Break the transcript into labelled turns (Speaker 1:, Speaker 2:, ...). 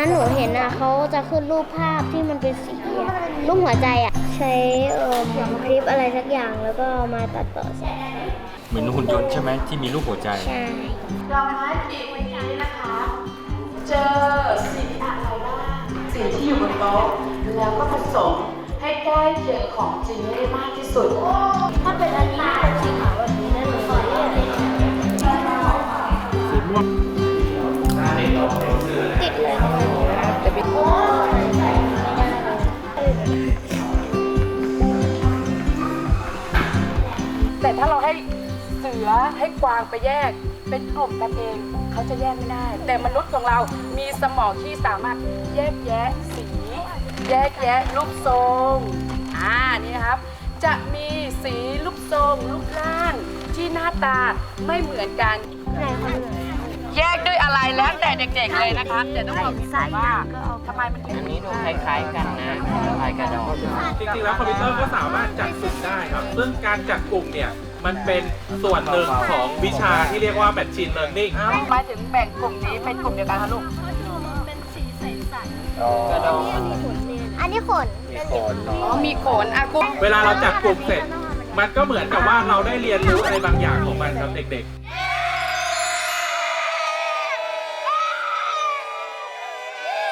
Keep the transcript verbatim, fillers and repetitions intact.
Speaker 1: นั้นหนูเห็นอ่ะเขาจะขึ้นรูปภาพที่มันเป็นสีรูปหัวใจอ่ะใช้เอ่อคลิปอะไรสักอย่างแล้วก็มาตัดต่อใส่
Speaker 2: เหมือนหุ่นยนต์ใช่ไหมที่มีรูปหัวใจ
Speaker 1: ใช่
Speaker 3: ดอกไม้ปีกวันนี้นะคะ เจอสิ่งอะไรบ้างสิ่งที่อยู่บนโต๊ะแล้วก็ผสมให้ใกล้เคียงของจริงให้มากที่สุดถ้าเป็นอันนี้เป็นสีขาวแบบนี้นะหนูขอเรียกเลย
Speaker 2: สีม่วง
Speaker 1: ติดเลยแต่เป็นโอ้
Speaker 3: แต่ถ้าเราให้เสือให้กวางไปแยกเป็นกลุ่มกันเองเขาจะแยกไม่ได้ แต่มนุษย์ของเรามีสมองที่สามารถแยกแยะสี แยกแยะรูปทรงอ่านี่นะครับจะมีสีรูปทรงรูปร่างที่หน้าตาไม่เหมือนกันแยกด้วยอะไรแล้วแต่เด็กๆเลยนะคะแต่ต้องบอกว่าทำไมมันถึง
Speaker 4: อันนี้ดูคล้ายๆกันนะคล้ายกระดอง
Speaker 5: จริงๆแล้วคอมพิวเตอร์ก็สามารถจัดกลุ่มได้ครับซึ่งการจัดกลุ่มเนี่ยมันเป็นส่วนหนึ่งของวิชาที่เรียกว่า Machine Learning
Speaker 3: หมายถึงแบ่งกลุ่มนี้เป็นกลุ่มเดียวกันคะลูก
Speaker 4: กระดอง
Speaker 1: อันนี้ขน
Speaker 4: มีขน
Speaker 3: อ๋อมีขนอ่ะกลุ่ม
Speaker 5: เวลาเราจัดกลุ่มเสร็จ มันก็เหมือนกับว่าเราได้เรียนรู้อะไรบางอย่างของมันครับเด็กๆ